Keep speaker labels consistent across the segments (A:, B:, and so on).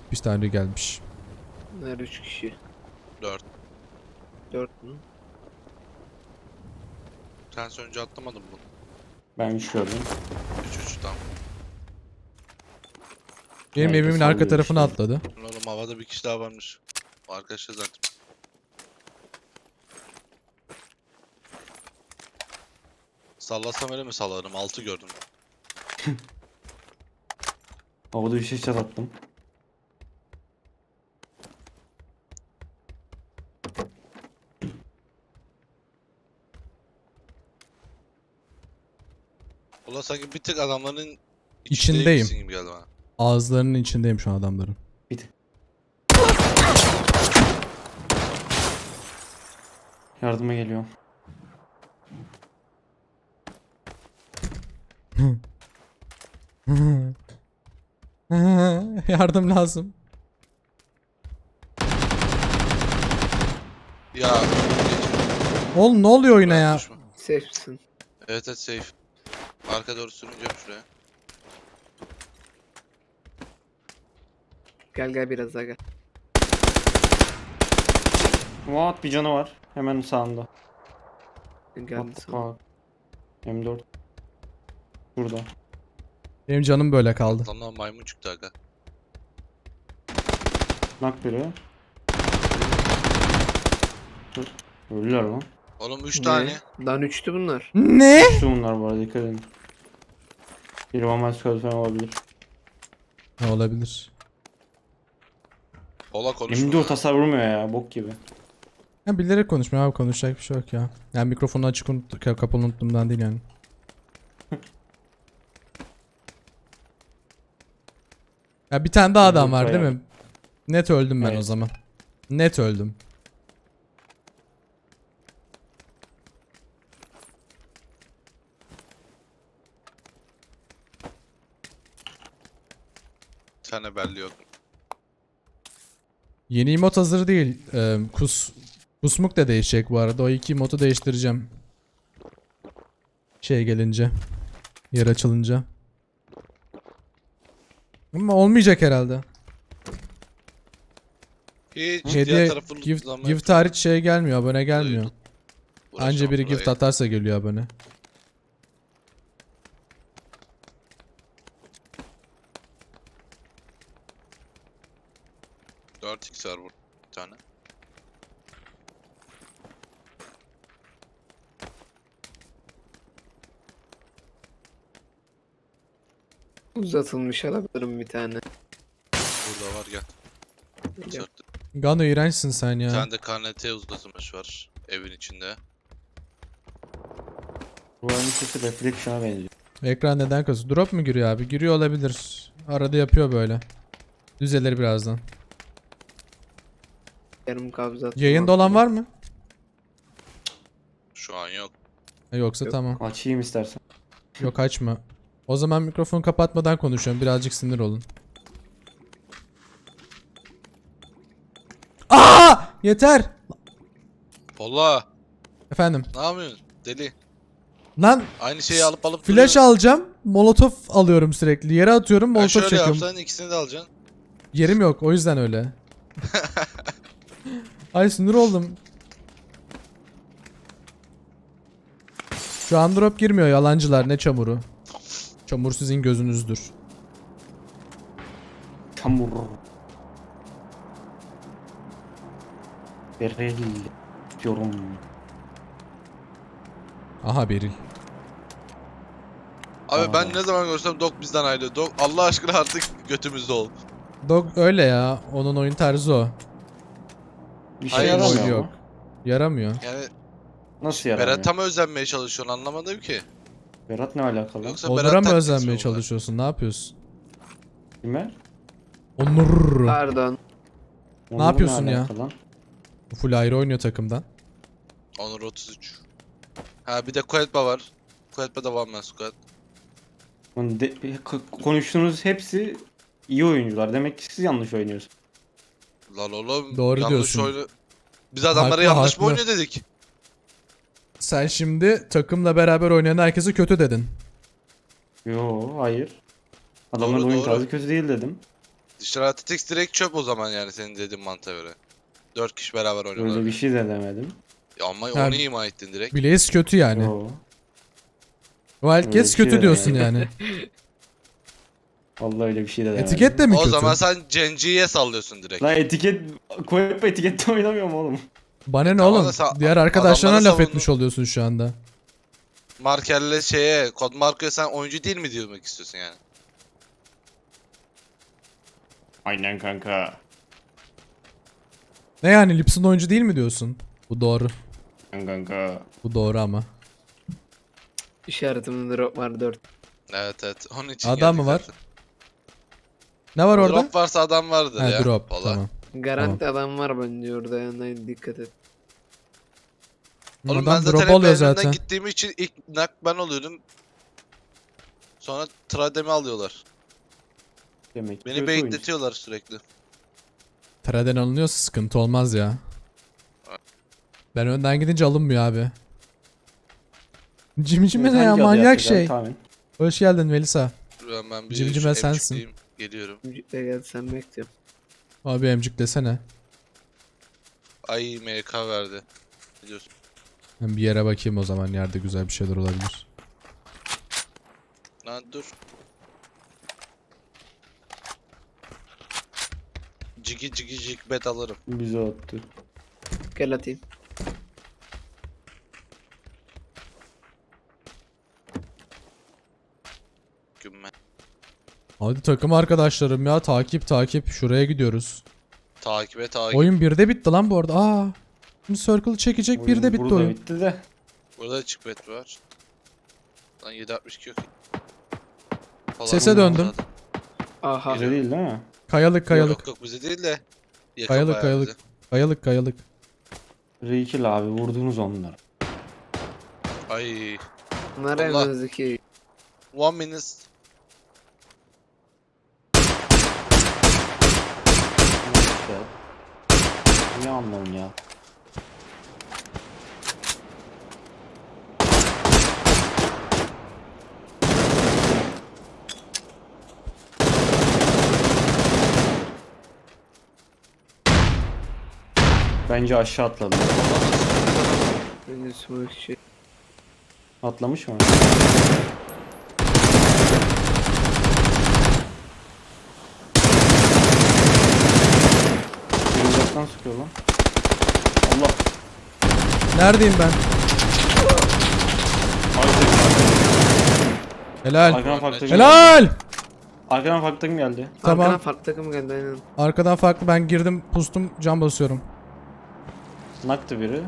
A: Bir tane gelmiş.
B: Bunlar 3 kişi.
C: 4.
B: 4 mü?
C: Sen önce atlamadın mı?
D: Ben 3 gördüm.
C: 3 tam.
A: Benim
D: Nerede
A: evimin arka
D: sallıyor
A: tarafına
D: işte.
A: atladı.
C: Oğlum havada bir kişi daha varmış. O arkadaşlar zaten. Sallasam öyle mi sallarım? 6 gördüm.
D: Havada bir şey çatattım.
C: Ulan sanki bir tık adamların
A: İçindeyim.
C: içindeymişsin gibi geldi bana.
A: Ağızlarının içindeyim şu an adamların.
D: Bir tık. Yardıma geliyor.
A: Yardım lazım.
C: Ya.
A: Oğlum ne oluyor oyuna ya?
C: Düşme.
B: Safe'sin.
C: Evet evet safe. Arka doğru sürüneceğim şuraya.
B: Gel gel biraz daha gel.
D: What, bir canı var. Hemen sağında.
B: Geldi
D: What the
B: sana.
D: fuck. M4. Burada.
A: Benim canım böyle kaldı.
C: Lan maymun çıktı aga.
D: Nak biri. Dur. Ölüler lan.
C: Oğlum 3
B: Ne?
C: tane.
B: Lan 3'tü bunlar.
A: Ne?
D: Şu bunlar bu arada, dikkat edin. Bir One Squad falan olabilir.
A: Ne olabilir?
C: Ola konuşma.
D: M4 hasar vurmuyor ya, bok gibi.
A: Ya bilerek konuşmuyor abi, konuşacak bir şey yok ya. Yani mikrofonu açık kapalı unuttuğumdan değil yani. Ya bir tane daha adam var değil mi? Net öldüm ben o
D: Evet.
A: zaman. Net öldüm.
C: Bir tane belli yok.
A: Yeni emot hazır değil. Kusmuk da değişecek bu arada. O iki emotu değiştireceğim. Şey gelince. Yer açılınca. Ama olmayacak herhalde.
C: Hiç diğer
A: Hediye
C: tarafı
A: gift hariç şey gelmiyor. Abone gelmiyor. Anca biri gift atarsa geliyor abone.
C: Dört x var burada bir tane.
B: Uzatılmış alabilirim bir tane.
C: Burada var gel.
B: Gel.
A: Gano iğrençsin sen
C: Bir
A: ya.
C: tane de KNT uzatılmış var evin içinde.
D: Bu oyunun sesi Reflection'a benziyor.
A: Ekran neden kasıyor? Drop mu giriyor abi? Giriyor olabilir. Arada yapıyor böyle. Düzelir birazdan.
B: Yarım kabza.
A: Yayında olan var mı?
C: Şu an yok.
A: Yoksa
B: Yok.
A: tamam.
D: Açayım istersen.
A: Yok açma. O zaman mikrofonu kapatmadan konuşuyorum. Birazcık sinir olun. Aa! Yeter.
C: Ola
A: Efendim.
C: ne yapıyorsun deli?
A: Lan
C: Aynı şeyi alıp
A: flash
C: duruyorsun.
A: alacağım. Molotof alıyorum sürekli. Yere atıyorum,
C: Ya
A: molotof
C: şöyle
A: çekiyorum.
C: yapsan ikisini de alacaksın.
A: Yerim yok, o yüzden öyle. Ay sinir oldum. Şu an drop girmiyor yalancılar, ne çamuru. Çamur sizin gözünüzdür.
D: Çamur. Beril. Diyorum.
A: Aha Beril.
C: Abi ben
D: Aa.
C: ne zaman görsem Dok bizden ayrılıyor. Dok Allah aşkına artık götümüzde ol.
A: Dog öyle ya. Onun oyun tarzı o.
D: Bir şey
C: Hayır,
D: yaramıyor
A: oyun
D: mu?
A: yok. Yaramıyor.
C: Yani
D: Nasıl yaramıyor?
C: Berat'a mı özenmeye çalışıyorsun anlamadım ki.
D: Berat ne alakalı?
C: Yoksa
A: Onur'a
C: Berat
A: mı
C: taklitçi
A: özenmeye
C: mi bu?
A: çalışıyorsun? Ne yapıyorsun?
D: Kime?
A: Onur.
B: Pardon.
D: Onur'la
A: yapıyorsun ya?
D: alakalı lan?
A: Full ayrı oynuyor takımdan.
C: Onur 33. Ha bir de Kuetba var. Kuetba da One Man Squad.
D: Lan konuştuğunuz hepsi iyi oyuncular. Demek ki siz yanlış oynuyorsunuz.
C: Lan oğlum
A: Doğru
C: yanlış
A: diyorsun.
C: oyunu. Biz adamlara
A: Haklı,
C: yanlış
A: haklı.
C: mı oynuyor dedik?
A: Sen şimdi takımla beraber oynayan herkese kötü dedin.
D: Yo, hayır. Adamların
C: Doğru,
D: oyun
C: doğru.
D: tarzı kötü değil dedim.
C: Stratix direkt çöp o zaman yani senin dediğin mantığa göre. 4 kişi beraber oynuyorlar.
D: Öyle bir şey de demedim.
C: Ya ama
A: Ha.
C: onu ima ettin direkt.
A: Blaze kötü yani.
D: Yo.
A: Wildcats
D: Öyle bir şey
A: kötü
D: de
A: diyorsun
D: demedim.
A: yani.
D: Vallahi öyle bir şey de demedim.
A: Etiket de mi
C: O
A: kötü?
C: zaman sen Genji'ye sallıyorsun direkt.
D: Lan etiket koyup etikette oynamıyorum oğlum.
A: Bana ne
C: Tamam
A: oğlum?
C: da sen
A: Diğer arkadaşlarına
C: adamlara
A: laf etmiş oluyorsun şu anda.
C: Marker'le şeye, Kod Marco'ya sen oyuncu değil mi demek istiyorsun yani?
D: Aynen kanka.
A: Ne yani Lipson oyuncu değil mi diyorsun? Bu doğru.
D: Kanka.
A: Bu doğru ama.
B: İşaretimde drop var 4.
C: Evet. Onun için
A: Adam
C: geldik
A: mı var?
C: zaten.
A: Ne var orada?
C: Drop varsa adam vardır
A: Ha
C: ya.
A: drop.
C: Valla.
A: Tamam.
B: Garanti adam var bence orada yani dikkat et.
C: Oğlum ben
A: Adam
C: zaten
A: drop
C: hep
A: alıyor
C: önünden
A: zaten.
C: gittiğim için ilk nak ben oluyordum. Sonra Tradem'i alıyorlar.
D: Demek ki
C: Beni
D: kötü oyuncu.
C: bekletiyorlar sürekli.
A: Traden alınıyorsa sıkıntı olmaz ya. Ben önden gidince alınmıyor abi. Cimcime ne ya
D: Hangi adı
A: manyak
D: yapacağız
A: şey.
D: tahmin?
A: Hoş geldin Melisa.
C: Ben bir
A: Cimcime
C: şu
A: sensin.
C: emcikleyeyim, geliyorum.
B: Müzikle gel sen bekliyorum.
A: Abi emcik desene.
C: Ay MK verdi. Biliyorsun.
A: Ben bir yere bakayım o zaman yerde güzel bir şeyler olabilir.
C: Lan dur. Cigi bet alırım.
D: Bize attı.
B: Gel atayım.
C: Gümme.
A: Hadi takım arkadaşlarım ya takip şuraya gidiyoruz.
C: Takip et.
A: Oyun 1'de bitti lan bu arada. Aa. Şimdi circle çekecek 1'de bitti
D: burada
A: oyun.
D: bitti de.
C: Burada da çık bet var. Lan 762 yok. Falan
A: Sese
C: oldu
A: döndüm.
C: zaten.
B: Aha.
D: Bize değil değil mi?
A: Kayalık
C: Yok bize değil de. Yakın
A: Kayalık,
C: bayağı
A: kayalık.
C: bize.
A: Kayalık.
D: Reikil abi vurdunuz onları.
C: Ay.
B: Bunlar
C: Allah.
B: önümüzdeki.
C: 1 minute.
D: İşte. Ne anlamı ya? Bence aşağı atladı.
B: Önce smoke şey.
D: Atlamış mı? Uzaktan sıkıyor lan. Allah.
A: Neredeyim ben? Helal.
D: Arkadan farklı takım geldi.
A: Helal.
D: Arkadan farklı takım geldi.
A: Tamam.
B: Arkadan farklı takım geldi aynen.
A: Arkadan farklı ben girdim pustum cam basıyorum.
D: Naktı biri.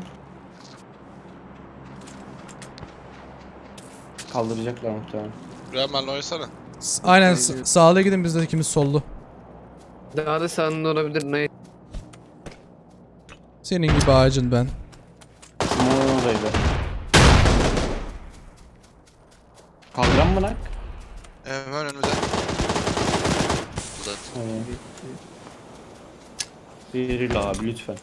D: Kaldıracaklar muhtemelen.
C: Rayman'la oynasana.
A: Aynen sağda gidin biz de ikimiz sollu.
B: Daha da sağında olabilir. Ne?
A: Senin gibi ağacın ben.
D: Smoke'un oradaydı. Kaldıran mı nak?
C: Hemen önümüzde. Uzat.
D: Evet. Veril abi lütfen.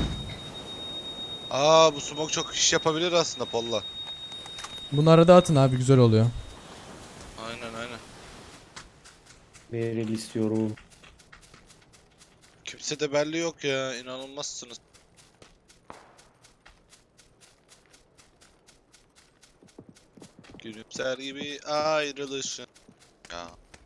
C: Aa bu smoke çok iş yapabilir aslında Polla.
A: Bunu arada atın abi güzel oluyor.
C: Aynen.
D: Veril istiyorum.
C: Kimse de belli yok ya. İnanılmazsınız. Gülümser gibi ayrılışın. Ya.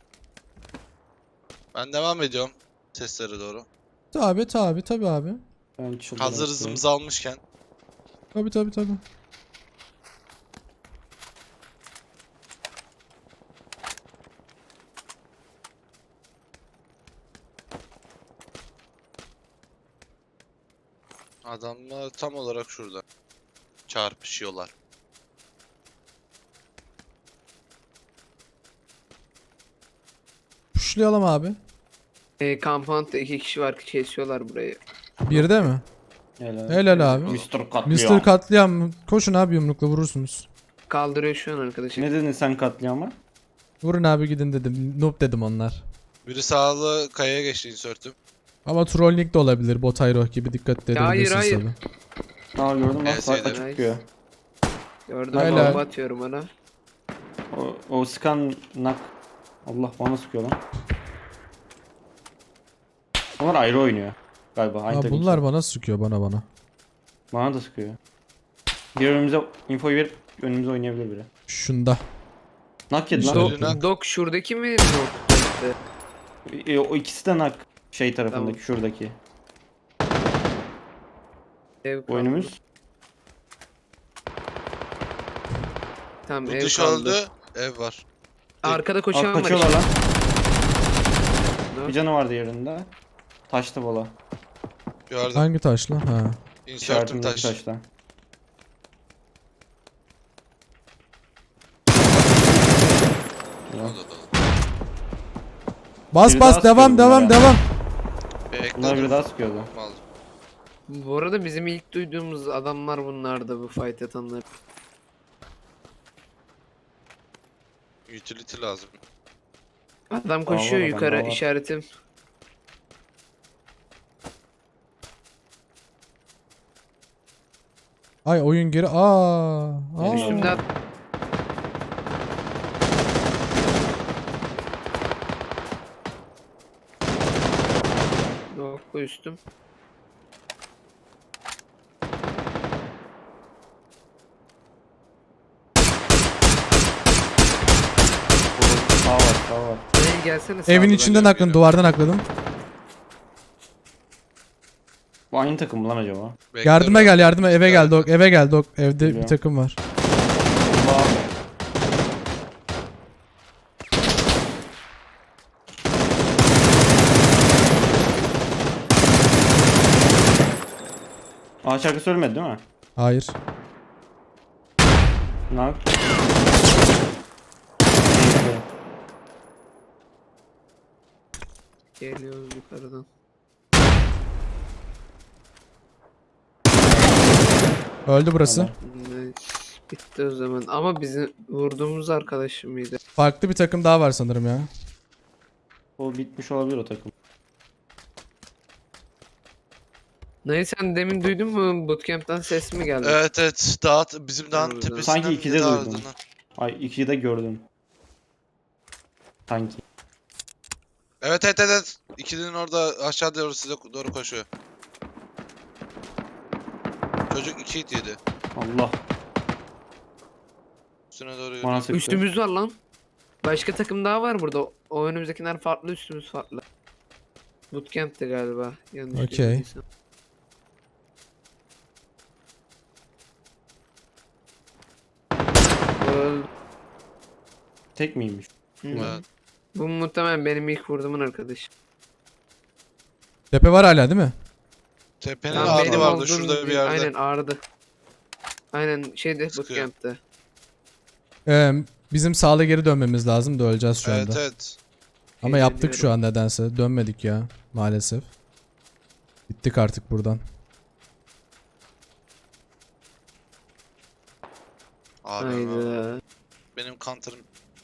C: Ben devam ediyorum. Seslere doğru.
A: Tabi abi.
D: Ben çıldırmak
C: Hazır
D: istiyorum.
C: hızımızı almışken.
A: Tabi.
C: Adamlar tam olarak şurada. Çarpışıyorlar.
A: Puşlayalım abi.
B: Compound'da 2 kişi var ki kesiyorlar burayı.
A: 1'de mi? Helal abi.
D: Mr. Katliam.
A: Mr. Katliam. Koşun abi yumrukla vurursunuz.
B: Kaldırıyor şu an arkadaşı.
D: Ne dedin sen katliama?
A: Vurun abi gidin dedim. Noob dedim onlar.
C: Biri sağlı kayaya geçti insert'üm.
A: Ama trolling de olabilir. Botayro gibi dikkat
B: Ya hayır,
A: edebilirsiniz
B: hayır.
A: tabi.
D: Aa gördüm bak
C: Evet,
D: açık
B: evet.
D: çıkıyor.
B: Gördüm
A: Helal.
B: bomba atıyorum ona.
D: O sıkan nak. Allah bana sıkıyor lan. Onlar ayrı oynuyor. Galiba aynı
A: Ha,
D: takım.
A: bunlar bana sıkıyor bana.
D: Bana da sıkıyor. Bir önümüze infoyu verip önümüze oynayabilir biri.
A: Şunda.
D: Nak yedi lan.
C: Söyle. Nak.
B: Dok şuradaki mi? Nok.
D: O ikisi de nak. Şey tarafındaki,
B: Tamam.
D: şuradaki.
B: Ev kaldı.
D: Oyunumuz.
B: Tamam
C: Bu
B: ev
C: dış
B: kaldı.
C: öldü. Ev var.
B: Arkada
D: Aa,
B: koşan var.
D: kaçıyorlar lan.
B: işte.
D: Bir canı vardı yerinde. Taştı bola.
C: Gördüm.
A: Hangi taş lan? Ha.
C: Insert'im
D: İşaretimdeki
C: taş.
D: taşta.
C: O da da.
A: Bas
D: Biri
A: bas
D: daha
A: devam
D: sıkıyor
A: devam
D: bunlara.
A: devam.
D: Bunlar biri
C: Bekledim.
D: daha sıkıyordu.
C: Aldım.
B: Bu arada bizim ilk duyduğumuz adamlar bunlardı, bu fight atanlar.
C: Utility lazım.
B: Adam koşuyor
D: var,
B: yukarı,
D: adam var.
B: işaretim.
A: Ay oyun geri. Aa.
B: Üstümde at- Yok, bu üstüm.
D: Sağ var, sağ var.
B: Buraya gelsene sağa
A: Evin
B: doğru.
A: içinden
C: geliyorum,
A: akladım,
C: geliyorum.
A: duvardan akladım.
D: Bu aynı takım mı lan acaba?
A: Yardıma gel, yardıma, eve gel Dok, eve gel Dok. Evde bir
D: Geliyorum.
A: takım var.
D: Allah. Aa, şarkı söylemedi değil mi?
A: Hayır.
D: Nak.
B: Geliyoruz yukarıdan.
A: Öldü burası.
D: Tamam.
B: Nice. Bitti o zaman. Ama bizim vurduğumuz arkadaşım mıydı?
A: Farklı bir takım daha var sanırım ya.
D: O bitmiş olabilir o takım.
B: Neyse, sen demin duydun mu? Bootcamp'ten ses mi geldi?
C: Evet evet. Bizim dağın
B: Doğru,
C: tepesinden
D: Sanki
C: bir
D: ikide
C: daha
D: duydum.
C: ardından.
D: Ay, ikiyi de gördüm. Sanki.
C: Evet evet evet. İkilinin orada aşağı doğru size doğru koşuyor. Çocuk 2 hit yedi.
D: Allah.
C: Üstüne doğru
D: Bana
C: yürüyor.
D: sıktı.
B: Üstümüz var lan. Başka takım daha var burada. O önümüzdekiler farklı, üstümüz farklı. Bootcamp'ti galiba. Yanlış
A: Okey.
B: görmediysem. Öldü.
D: Tek miymiş?
B: Hı.
C: Evet.
B: Bu muhtemelen benim ilk vurduğumun arkadaşı.
A: Tepe var hala değil mi?
C: Tepenin
B: Tamam,
C: ağrı
B: benim
C: vardı
B: olduğum
C: şurada bir yerde.
B: Aynen ağrıdı. Aynen şeyde,
C: Sıkıyor.
B: bootcamp'te.
A: Bizim sağla geri dönmemiz lazım da öleceğiz şu
C: Evet
A: anda.
C: evet.
A: Ama yaptık şu
B: Geliyorum.
A: an nedense. Dönmedik ya maalesef. Bittik artık buradan.
C: Abi
B: Hayda.
C: benim counter'ım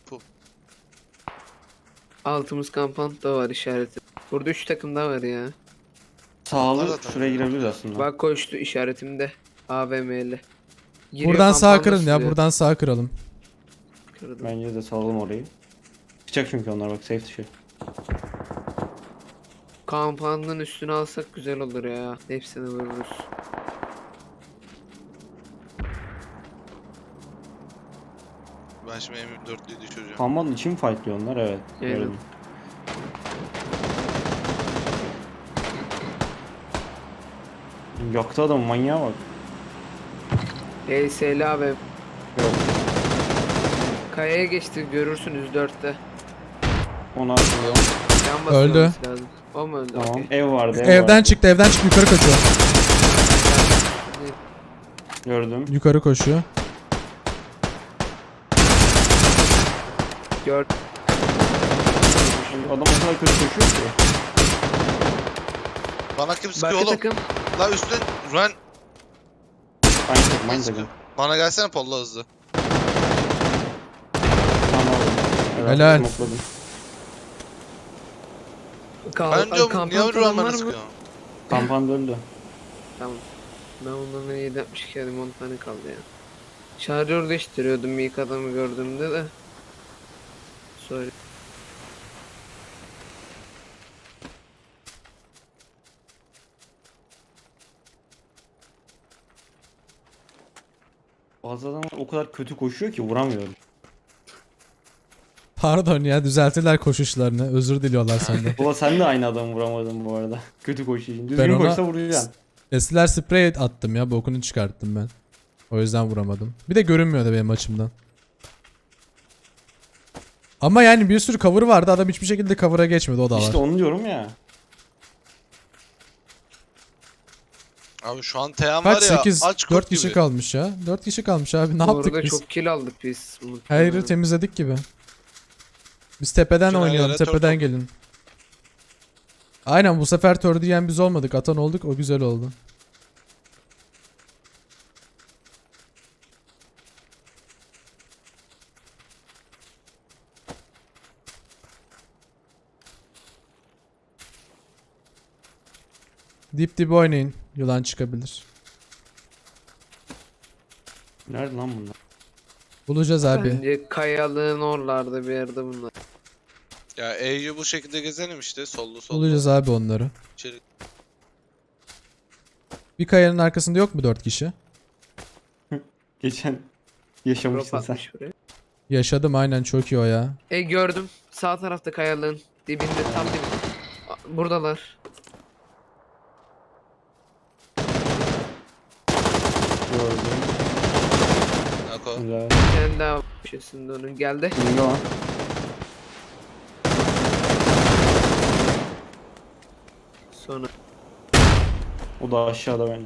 B: Altımız kampant da var işareti. Burada 3 takım daha var ya.
D: Sağlı
C: Zaten.
D: şuraya girebiliriz aslında.
B: Bak koştu işaretimde. AVM'li. Giriyor,
A: Buradan sağ
B: kampanda
A: kırın ya,
B: sürüyor.
A: buradan sağ kıralım.
B: Kırdım.
D: Bence de salalım orayı. Çıkacak çünkü onlar, bak, safe dışı.
B: Kampandın üstüne alsak güzel olur ya. Hepsini vururuz.
C: ben şimdi M24'lüyü düşüreceğim.
D: Kambanın için fightlıyor onlar, evet.
B: Evet.
D: Gördüm. Yaktı adam, manyağa bak.
B: HSL abi.
D: Yok.
B: Kayaya geçti, görürsünüz 4'te.
D: Ona atıyor.
B: Can
A: Öldü.
B: basılması lazım. O mu öldü?
D: Tamam.
B: Okey.
D: Ev vardı, ev
A: Evden
D: vardı.
A: çıktı, evden çıktı, yukarı kaçıyor.
D: Gördüm.
A: Yukarı koşuyor.
B: Gör.
D: Adam o kadar kötü koşuyor ki.
C: Bana kim sıkıyor
B: Başka
C: oğlum?
B: takım.
C: La üstten run.
D: Aynı takım, aynı takım.
C: Bana gelsene Polla hızlı.
D: Tamam. Evet,
A: Helal.
D: smokladım.
C: Ben diyorum
B: Kampant
C: niye
B: olan
C: run
B: var
C: bana
B: mı?
C: sıkıyor?
D: Kampanda öldü.
B: Tamam. Ben ondan 762 adım 10 tane kaldı ya. Şarjör değiştiriyordum ilk adamı gördüğümde de. Sorry.
D: Bazı adamlar o kadar kötü koşuyor ki vuramıyorum.
A: Pardon ya, düzelttiler koşuşlarını. Özür diliyorlar senden.
D: Baba sen de aynı adamı vuramadın bu arada. Kötü koşuyor.
A: Ben
D: Düzgün
A: ona-
D: koşsa vuracaksın.
A: Estiler sprey attım ya, bokunu çıkarttım ben. O yüzden vuramadım. Bir de görünmüyordu benim açımdan. Ama yani bir sürü cover vardı, adam hiçbir şekilde cover'a geçmedi, o da var.
D: İşte onu diyorum ya.
C: Abi şu an Teyan
A: Kaç?
C: var ya
A: 8,
C: aç kurt
A: 4 kişi
C: gibi.
A: kalmış ya. 4 kişi kalmış abi, ne
B: Bu
A: yaptık
B: arada
A: biz?
B: çok kill aldık biz.
A: Her yeri temizledik gibi. Biz tepeden
C: Bütün
A: oynayalım,
C: yerlere
A: tepeden
C: turtle.
A: gelin. Aynen, bu sefer tör diyen biz olmadık, atan olduk, o güzel oldu. Dip dip oynayın, yılan çıkabilir.
D: Nerede lan bunlar?
A: Bulacağız abi.
B: Bence kayalığın oralarda bir yerde bunlar.
C: Ya E'yi bu şekilde gezelim işte sollu sollu.
A: Bulacağız abi onları.
C: İçeri.
A: Bir kayanın arkasında yok mu 4 kişi?
D: Geçen
B: Drop
D: yaşamışsın sen.
B: atmış buraya.
A: Yaşadım aynen, çok iyi o ya.
B: Gördüm. Sağ tarafta kayalığın dibinde, tam dibinde. Buradalar.
D: Gördüm.
C: Nako.
D: Güzel.
B: Bir tane daha köşesinde onun. Geldi.
D: Şimdi lan.
B: Sonra.
D: O da aşağıda bence.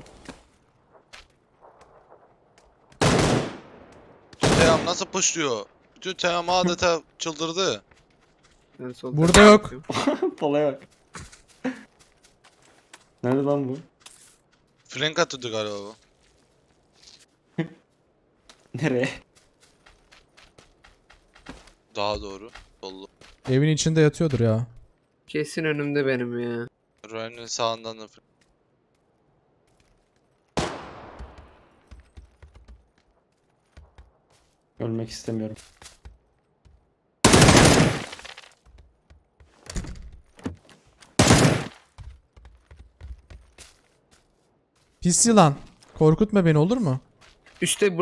C: Şu Teyan nasıl pushluyor? Bütün Teyan adeta çıldırdı.
B: Ben sol
A: Burada
B: tarafa
A: yok.
B: bakıyorum.
D: Palaya bak. Nerede lan bu?
C: Flank atıyordu galiba bu.
D: Nereye?
C: Daha doğru. Sollu.
A: Evin içinde yatıyordur ya.
B: Kesin önümde benim ya.
C: Ryan'ın sağından da flank.
D: Ölmek istemiyorum.
A: Pis yılan. Korkutma beni, olur mu?
B: Üste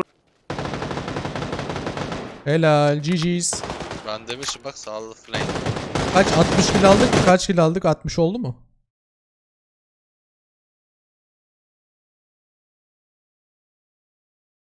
A: Helal, GG's.
C: Ben demişim bak sağlı flank.
A: Kaç, 60 kill aldık mı? Kaç kill aldık? 60 oldu mu?